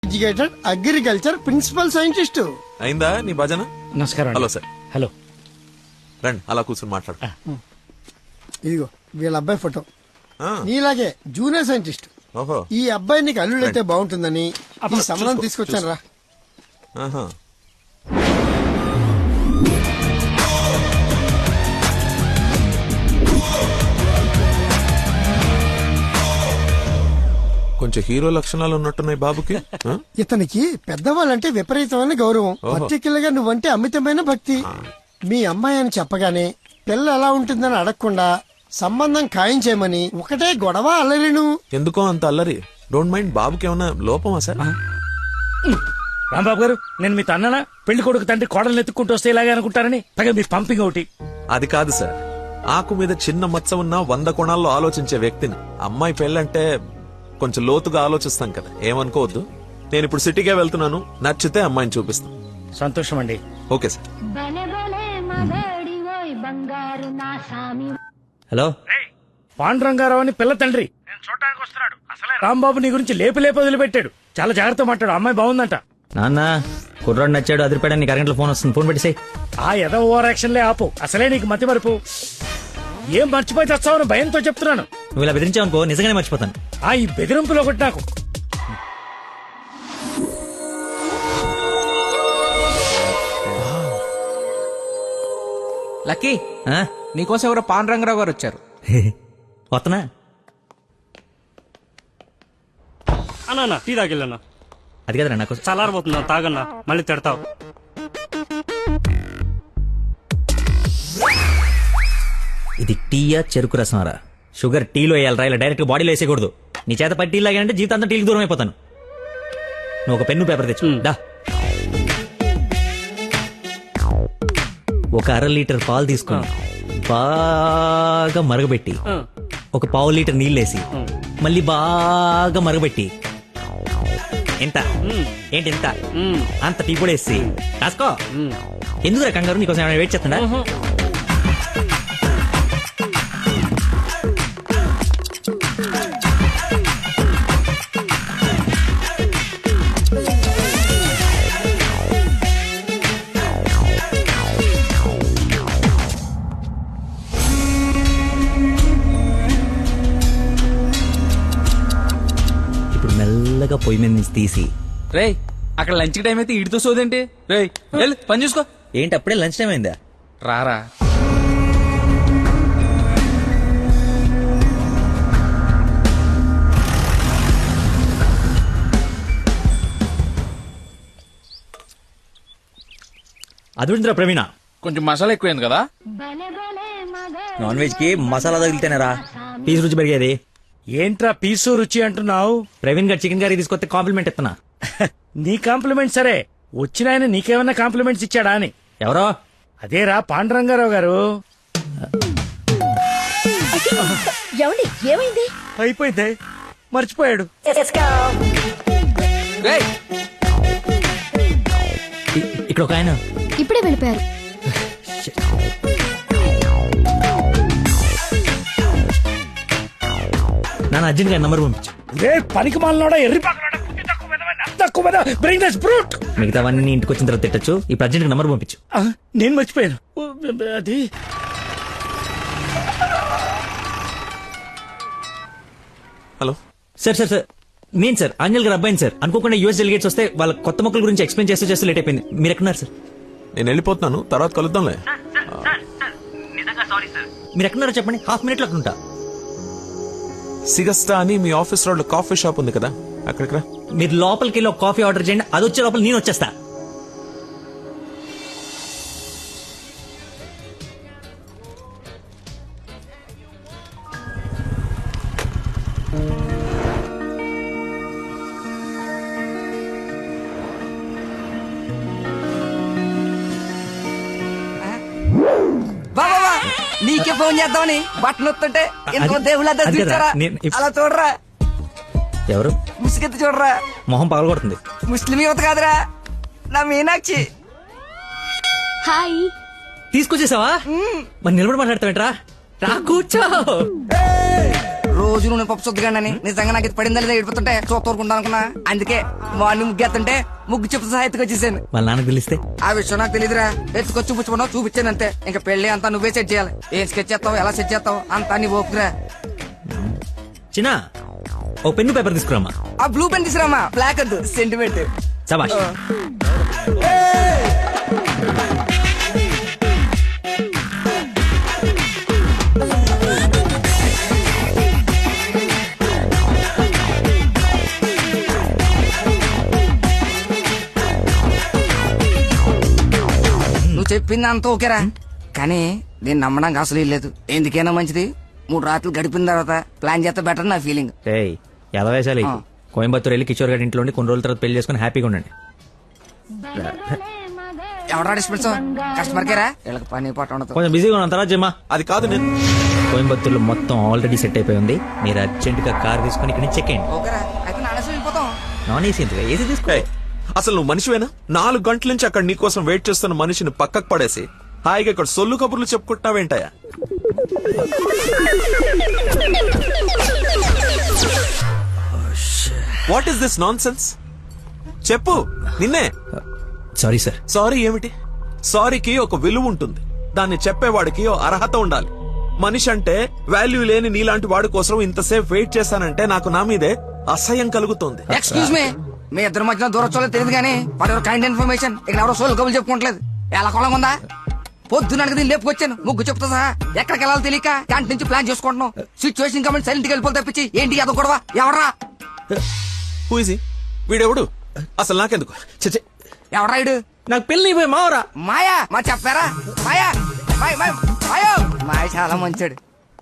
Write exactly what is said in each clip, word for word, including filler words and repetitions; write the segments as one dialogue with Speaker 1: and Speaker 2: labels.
Speaker 1: Educated agriculture principal scientist.
Speaker 2: అయిందా నీ భజన?
Speaker 3: నమస్కారం.
Speaker 2: Hello sir.
Speaker 3: హలో
Speaker 2: రండి అలా కూర్చొని మాట్లాడు.
Speaker 1: ఇదిగో వీళ్ళ అబ్బాయి ఫోటో.
Speaker 2: ఆ,
Speaker 1: నీలాగే జూనియర్ సైంటిస్ట్.
Speaker 2: ఓహో
Speaker 1: ఈ అబ్బాయి నీకు అల్లుడైతే బాగుంటుందని ఈ సంబంధం
Speaker 2: చూసుకో,
Speaker 1: తీసుకొచ్చాను రా.
Speaker 2: ఆహా. కొంచెం హీరో లక్షణాలు ఉన్నట్టున్నాయి బాబుకి. ఆ?
Speaker 1: ఇతనికి పెద్దవాళ్ళంటే విపరీతమైన గౌరవం.
Speaker 2: ఓహో.
Speaker 1: పర్టికులర్ గా నువ్వంటే అమితమైన భక్తి. మీ అమ్మాయి అని చెప్పగానే పిల్ల ఎలా ఉంటుందని అడగకుండా సంబంధం ఖాయం చేయమని ఒకటే గొడవ అల్లరిను.
Speaker 2: ఎందుకో అంత అల్లరి? Don't mind. బాబుకి ఏమన్నా లోపమా సార్?
Speaker 3: రాంబాబు గారు, నేను మీ తన్ననా పెళ్లి కొడుకు తండ్రి కోడలు ఎత్తుక్కుంటూ వస్తే ఇలాగే అనుకుంటారని పైగా మీ పంపింగ్ ఒకటి.
Speaker 2: అది కాదు సార్. ఆకు మీద చిన్న మచ్చ ఉన్న వంద కోణాల్లో ఆలోచించే వ్యక్తిని. అమ్మాయి పెళ్ళంటే కొంచెం లోతుగా ఆలోచిస్తాం కదా, ఏమనుకోవద్దు. నేను ఇప్పుడు సిటీకే వెళ్తున్నాను, నచ్చితే అమ్మాయిని చూపిస్తాను.
Speaker 3: సంతోషం అండి.
Speaker 2: Okay sir.
Speaker 4: హలో,
Speaker 3: పాండురంగారావు అని పిల్ల తండ్రి నేను చూడడానికి వస్తున్నాడు. అసలే రాంబాబు నీ గురించి లేపి లేపి వదిలిపెట్టాడు. చాలా జాగ్రత్త మాట్లాడు. అమ్మాయి బాగుందంట.
Speaker 4: నాన్న కుర్రాడు నచ్చాడు, అదిరిపాడని నీకు అరగంటలో ఫోన్ వస్తుంది, ఫోన్ పెట్టేసాయి.
Speaker 3: ఆ ఎద ఓవర్ యాక్షన్లే ఆపు. అసలే నీకు మతి మరుపు. ఏం మర్చిపోయి తెస్తావని భయంతో చెప్తున్నాను.
Speaker 4: నువ్వు ఇలా బెదిరించావనుకో నిజంగానే మర్చిపోతాను.
Speaker 3: ఆ ఈ బెదిరింపులో ఒకటి నాకు.
Speaker 5: లక్కీ,
Speaker 4: ఆ?
Speaker 5: నీకోసం ఎవరో పాండురంగరావు గారు వచ్చారు.
Speaker 4: వస్తనా?
Speaker 6: అన్నా టీ తాగిల్లన్నా.
Speaker 4: అది కదరా నాకు
Speaker 6: చల్లారబోతున్నా, తాగన్నా, మళ్ళీ తిడతావు.
Speaker 4: ఇది టీయా చెరుకు రసంరా? షుగర్ టీలో వేయాలరా, ఇలా డైరెక్ట్ బాడీలో వేసేయకూడదు. నీ చేత పట్టి టీ లాగానంటే జీవితాంతం టీకి దూరం అయిపోతాను. నువ్వు ఒక పెన్ను పేపర్ తెచ్చు. దా. ఒక అర లీటర్ పాలు తీసుకుని బాగా మరగబెట్టి ఒక పావు లీటర్ నీళ్ళేసి మళ్ళీ బాగా మరగబెట్టి ఎంత ఏంటి ఎంత అంత టీ కూడా వేసి రాసుకో. ఎందుకురా కంగారు? నీకోసం ఏమైనా వెయిట్ చేస్తుందా? ఇప్పుడు మెల్లగా పొయ్యి మీద నుంచి తీసి.
Speaker 5: రేయ్, అక్కడ లంచ్ టైం అయితే ఇడితో సోదేంటి? రేయ్ వెళ్ళు, పని చూసుకో.
Speaker 4: ఏంటి అప్పుడే లంచ్ టైం అయిందా?
Speaker 5: రారా.
Speaker 4: అదుందిరా ప్రవీణ,
Speaker 5: కొంచెం మసాలా ఎక్కువైంది కదా.
Speaker 4: నాన్ వెజ్ కి మసాలా తగిలితేనేరా పీస్ రుచి పెరిగేది.
Speaker 3: ఏంట్రా పీసు రుచి అంటున్నావు?
Speaker 4: ప్రవీణ్ గారు చికెన్ కర్రీ తీసుకొస్తే కాంప్లిమెంట్ ఇస్తున్నా.
Speaker 3: నీ కాంప్లిమెంట్ సరే, వచ్చిన ఆయన నీకేమన్నా కాంప్లిమెంట్స్ ఇచ్చాడా అని.
Speaker 4: ఎవరో
Speaker 3: అదేరా పాండురంగారావు గారు.
Speaker 7: ఏమండి, ఏమైంది?
Speaker 3: అయిపోయింది, మర్చిపోయాడు.
Speaker 5: రేయ్,
Speaker 4: ఇ- ఇక్కడ ఒక ఆయన.
Speaker 7: ఇప్పుడే వెళ్ళిపోయారు.
Speaker 4: నాన్న అర్జున్ గారి నంబర్ పంపించు.
Speaker 3: రే పనికి మాలనోడా, ఎర్రి పక్కనోడా, బుద్ధి తక్కువ వెధవా, నా తక్కువ వెధవా, bring this brute.
Speaker 4: మిగతావన్నీ ఇంటికి వచ్చిన తర్వాత తిట్టచ్చు. ఇప్పుడు అర్జెంట్ నంబర్ పంపించు.
Speaker 3: ఆ, నేను మర్చిపోయాను. ఓ, అది
Speaker 2: హలో
Speaker 4: సార్ సార్ సార్ నేను సార్ ఆంజల్ గారు అబ్బాయిని సార్. అనుకోకుండా యూఎస్ డెలిగేట్స్ వస్తే వాళ్ళ కొత్త మొక్కల గురించి ఎక్స్ప్లెయిన్ చేస్తూ చేస్తూ లేట్ అయిపోయింది. మీరు ఎక్కడున్నారు సార్?
Speaker 2: నేను వెళ్ళిపోతున్నాను, తర్వాత కలుద్దాంలే.
Speaker 4: మీరు ఎక్కడున్నారో చెప్పండి, హాఫ్ మినిట్ లో అక్కడ ఉంటా.
Speaker 2: సిగస్టా అని మీ ఆఫీస్ రోడ్ లో కాఫీ షాప్ ఉంది కదా, అక్కడికి రా.
Speaker 4: మీరు లోపలికి వెళ్ళి ఒక కాఫీ ఆర్డర్ చేయండి, అది వచ్చే లోపల నేను వచ్చేస్తా.
Speaker 5: బాబా నీకే ఫోన్ చేద్దామని బట్టలు వస్తుంటే ఎంతో
Speaker 4: అది-
Speaker 5: దేవుళ్ళ
Speaker 4: అది కదా,
Speaker 5: చూచారా?
Speaker 4: నేను ఇప్-
Speaker 5: అలా చూడరా,
Speaker 4: ఎవరు?
Speaker 5: ముసుగెత్తి చూడరా.
Speaker 4: మొహం పగలగొడుతుంది.
Speaker 5: ముస్లిం యువత కాదురా, నా మీనాక్షి.
Speaker 7: హాయ్.
Speaker 4: తీసుకొచ్చేసావా? మరి నిలబడి మాట్లాడతావేంట్రా? రా కూర్చో.
Speaker 8: రోజు నువ్వు పప్పు చుద్దగానని నిజంగా నాకు ఇది పడిందా లేదా ఏడిపోతుంటే చూస్తూరుకుంటా అనుకున్నా. అందుకే మార్నింగ్ ముగ్గు ఎత్తుంటే ముగ్గు చెప్పు సహా ఎత్తుకొచ్చేసాను.
Speaker 4: వాళ్ళ నాన్నకు తెలిస్తే
Speaker 8: ఆ విషయం నాకు తెలియదురా. ఎత్తుకొచ్చి చూపించుకున్నావు, చూపించాను అంతే. ఇంకా పెళ్లి అంతా నువ్వే సెట్ చేయాలి. ఏం స్కెచ్ చేస్తావు, ఎలా సెట్ చేస్తావు అంతా నీ ఓపురా.
Speaker 4: చిన్న ఓ పెన్ను పేపర్ తీసుకురామా.
Speaker 8: ఆ బ్లూ పెన్ తీసురామా, బ్లాక్ వద్దు, సెంటిమెంట్.
Speaker 4: సబాష్.
Speaker 8: నువ్వు చెప్పింది అంత ఓకేరా, కానీ నేను నమ్మడానికి అసలు లేదు. ఎందుకైనా మంచిది మూడు రాత్రులు గడిపిన తర్వాత ప్లాన్ చేస్తే బెటర్ నా ఫీలింగ్.
Speaker 4: ఏయ్ ఎలా వేసాలి?
Speaker 8: ఆ.
Speaker 4: కోయంబత్తూర్ వెళ్ళి కిషోర్ గారి ఇంట్లో ఉండి కొన్ని రోజుల తర్వాత పెళ్లి చేసుకుని హ్యాపీగా ఉండండి.
Speaker 8: ఎవడా డిస్పెన్స్ కస్టమర్ కేరా, వీళ్ళకి పని పాట ఉండదు.
Speaker 4: కొంచెం బిజీగా ఉన్నాను, తర్వాత జమ్మా.
Speaker 2: అది కాదు నేను
Speaker 4: కోయంబత్తూర్లో మొత్తం ఆల్రెడీ సెట్ అయిపోయి ఉంది. మీరు అర్జెంట్ గా కార్ తీసుకుని ఇక్కడ నుంచి చెక్ అయ్యండి.
Speaker 8: ఓకేరా, అయితే నానేసి వెళ్ళిపోతాం.
Speaker 4: నాన్ ఏసీ ఎందుకు, ఏసీ తీసుకో.
Speaker 2: ఏయ్, అసలు నువ్వు మనిషివేనా? నాలుగు గంటల నుంచి అక్కడ నీకోసం వెయిట్ చేస్తున్న మనిషిని పక్కకు పడేసి హాయిగా ఇక్కడ సొల్లు కబుర్లు చెప్పుకుంటున్నావేంటయా? What is this nonsense? చెప్పు, నిన్నే.
Speaker 4: Sorry sir.
Speaker 2: సారీ ఏమిటి? సారీకి ఒక విలువ ఉంటుంది, దాన్ని చెప్పేవాడికి ఓ అర్హత ఉండాలి. మనిషి అంటే వాల్యూ లేని నీలాంటి వాడి కోసం ఇంతసేపు వెయిట్ చేశానంటే నాకు నా మీదే అసహ్యం కలుగుతోంది.
Speaker 8: ఎక్స్క్యూజ్ మీ, మీ ఇద్దరు మధ్యన దూరం చూడలేదు తెలియదు కానీ వాడు ఎవరు కైండ్ ఇన్ఫర్మేషన్ ఇక్కడ ఎవరో సోల్ కబులు చెప్పుకోవట్లేదు. ఎలా కొలం ఉందా? పొద్దున దీన్ని లేపుకొచ్చాను, ముగ్గు చెప్తా సహా ఎక్కడికి వెళ్ళాలో తెలియక క్యాంటీన్ నుంచి ప్లాన్ చేసుకుంటున్నాం. సిచ్యువేషన్ కమెంట్ సైలెంట్ గా వెళ్ళిపోతే తప్పించి ఏంటి అదో గొడవ? ఎవరా
Speaker 2: హూజీ వీడెవడు? అసలు నాకెందుకు? చచ్చే,
Speaker 8: ఎవరా ఇడు?
Speaker 4: నాకు పెళ్లి అయిపోయి మావరా.
Speaker 8: మాయా, మా చెప్పారా? మాయా, మాయ మాయ మాయో మాయ చాలా మంచాడు.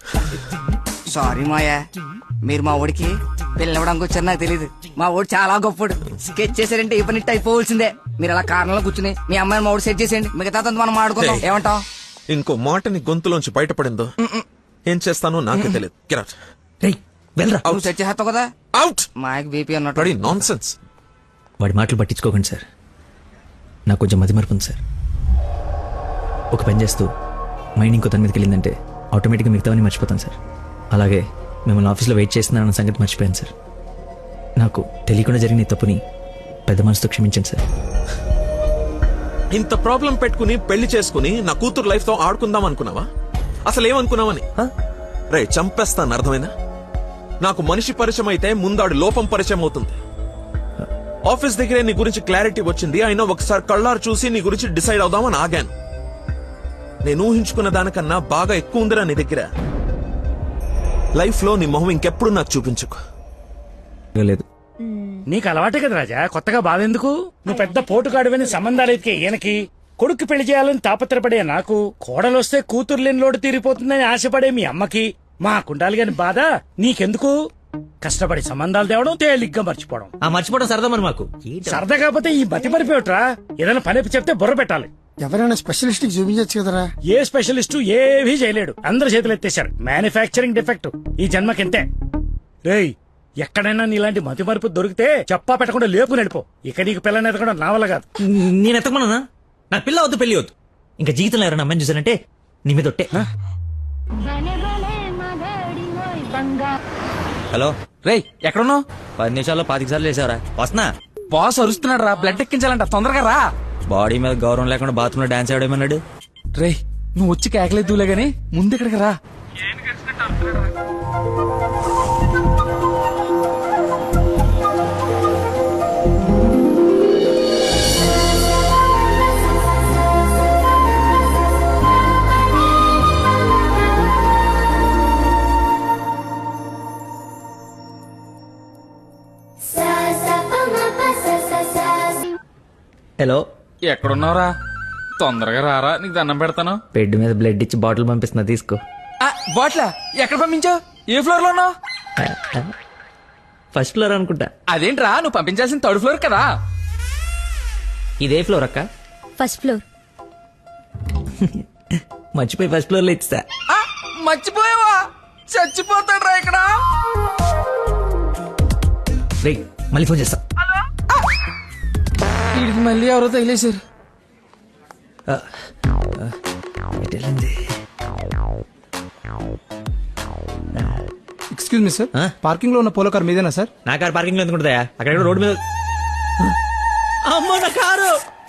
Speaker 8: సారీ మాయా, మీరు మా ఊడికి పిల్లవడానికి వచ్చారు నాకు తెలియదు. మా ఊడు చాలా గొప్పడు. స్కెచ్ చేశారంటే ఈ పని అయిపోవలసిందే. మీరు అలా కారణంలో కూర్చుని మీ అమ్మాయిని మా ఊడు సెట్ చేసేయండి, మిగతా మనం మాడుకుందాం. ఏమంటావు?
Speaker 2: ఇంకో మాట నీ గొంతులోంచి బయటపడిందో ఏం చేస్తానో నాకే తెలియదు. Get out.
Speaker 4: రేయ్ వెళ్ళరా.
Speaker 8: నువ్వు సెట్ చేస్తావు కదా.
Speaker 2: Out.
Speaker 8: మాయకి బీపీ అన్నట్టు.
Speaker 2: Bloody nonsense.
Speaker 4: వాడి మాటలు పట్టించుకోకండి సార్, నాకు కొంచెం మతిమరుపు ఉంది సార్. ఒక పని చేస్తూ మైండ్ ఇంకో దాని మీదకి వెళ్ళిందంటే ఆటోమేటిక్గా మిగతావన్నీ మర్చిపోతాను సార్. అలాగే మిమ్మల్ని ఆఫీస్లో వెయిట్ చేస్తున్నానన్న సంగతి మర్చిపోయాను సార్. నాకు తెలియకుండా జరిగిన ఈ తప్పుని పెద్ద మనసుతో క్షమించండి సార్.
Speaker 2: ఇంత ప్రాబ్లం పెట్టుకుని పెళ్లి చేసుకుని నా కూతురు లైఫ్ తో ఆడుకుందాం అనుకున్నావా? అసలు ఏమనుకున్నావని? రే చంపేస్తాను, అర్థమైందా? నాకు మనిషి పరిచయం అయితే ముందాడు లోపం పరిచయం అవుతుంది. ఆఫీస్ దగ్గరే నీ గురించి క్లారిటీ వచ్చింది, అయినా ఒకసారి కళ్ళారు చూసి నీ గురించి డిసైడ్ అవుదామని ఆగాను. నేను ఊహించుకున్న దానికన్నా బాగా ఎక్కువ ఉందిరా నీ దగ్గర. లైఫ్ లో నీ మొహం ఇంకెప్పుడు నాకు చూపించుకో.
Speaker 4: లేదు
Speaker 3: నీకు అలవాటే కదా రాజా, కొత్తగా బాధెందుకు? నువ్వు పెద్ద పోటుగాడువని సంబంధాలు ఎతికే ఈయనకి, కొడుకు పెళ్లి చేయాలని తాపత్రపడే నాకు, కోడలొస్తే కూతురు లేని లోటు తీరిపోతుందని ఆశపడే మీ అమ్మకి, మా కుండాలి గాని బాధ నీకెందుకు? కష్టపడి సంబంధాలు తేవడం, తేలిగ్గా మర్చిపోవడం.
Speaker 4: ఆ మర్చిపోవడం సరదా మరి మాకు.
Speaker 3: సరదా కాకపోతే ఈ బతి మరిపోయట్రా. ఏదైనా పని చెప్తే బుర్ర పెట్టాలి.
Speaker 1: ఎవరైనా స్పెషలిస్ట్ కి చూపించచ్చు కదరా.
Speaker 3: ఏ స్పెషలిస్టు ఏవీ చేయలేడు, అందరు చేతులు ఎత్తేశారు. మ్యానుఫ్యాక్చరింగ్ డిఫెక్ట్ ఈ జన్మకింతే. రేయ్ ఎక్కడైనా నీలాంటి మతి మరుపు దొరికితే చెప్పా పెట్టకుండా లేపు నడిపో. ఇక నీకు పిల్లని ఎదగడం నా వల్ల కాదు.
Speaker 4: నేను ఎత్తకమన్నా? నాకు పిల్ల వద్దు, పెళ్లి వద్దు. ఇంకా జీవితంలో ఎవరైనా అమ్మాయిని చూసానంటే నీ మీద ఒట్టే. హలో
Speaker 5: రేయ్ ఎక్కడున్నావు?
Speaker 4: పది నిమిషాల్లో పాతిక సార్లు వేసావరా? వస్తున్నా.
Speaker 5: బాస్ అరుస్తున్నాడు రా, బ్లడ్ ఎక్కించాలంట, తొందరగా రా.
Speaker 4: బాడీ మీద గౌరవం లేకుండా బాత్రూమ్ లో డాన్స్ ఆడేమన్నాడు.
Speaker 5: రేయ్ నువ్వు వచ్చి కేకలేదులే గాని ముందు ఇక్కడికి రా.
Speaker 4: హలో
Speaker 5: ఎక్కడున్నావురా? తొందరగా రారా, నీకు దండం పెడతాను.
Speaker 4: బెడ్ మీద బ్లడ్ ఇచ్చి బాటిల్ పంపిస్తున్నా, తీసుకో.
Speaker 5: బాట్లా ఎక్కడ పంపించావు? ఏ ఫ్లోర్ లో ఉన్నావు?
Speaker 4: ఫస్ట్ ఫ్లోర్ అనుకుంటా.
Speaker 5: అదేంట్రా, నువ్వు పంపించాల్సిన థర్డ్ ఫ్లోర్ కదా.
Speaker 4: ఇదే ఫ్లోర్ అక్క?
Speaker 7: First floor.
Speaker 4: మర్చిపోయి ఫస్ట్ ఫ్లోర్ లో ఇచ్చా.
Speaker 5: ఆ, మర్చిపోయావా? చచ్చిపోతాడ్రా ఇక్కడ.
Speaker 4: రే మళ్ళీ ఫోన్ చేస్తా.
Speaker 5: వీడికి మళ్ళీ ఎవరో తగిలేశారు.
Speaker 9: ఎక్స్క్యూజ్ మీ సార్
Speaker 4: ఆ?
Speaker 9: పార్కింగ్ లో ఉన్న పోలో కార్ మీదేనా సార్
Speaker 4: నా కారు పార్కింగ్ లో ఎందుకుంటుందా అక్కడ ఎక్కడో రోడ్డు మీద అమ్మో నా కారు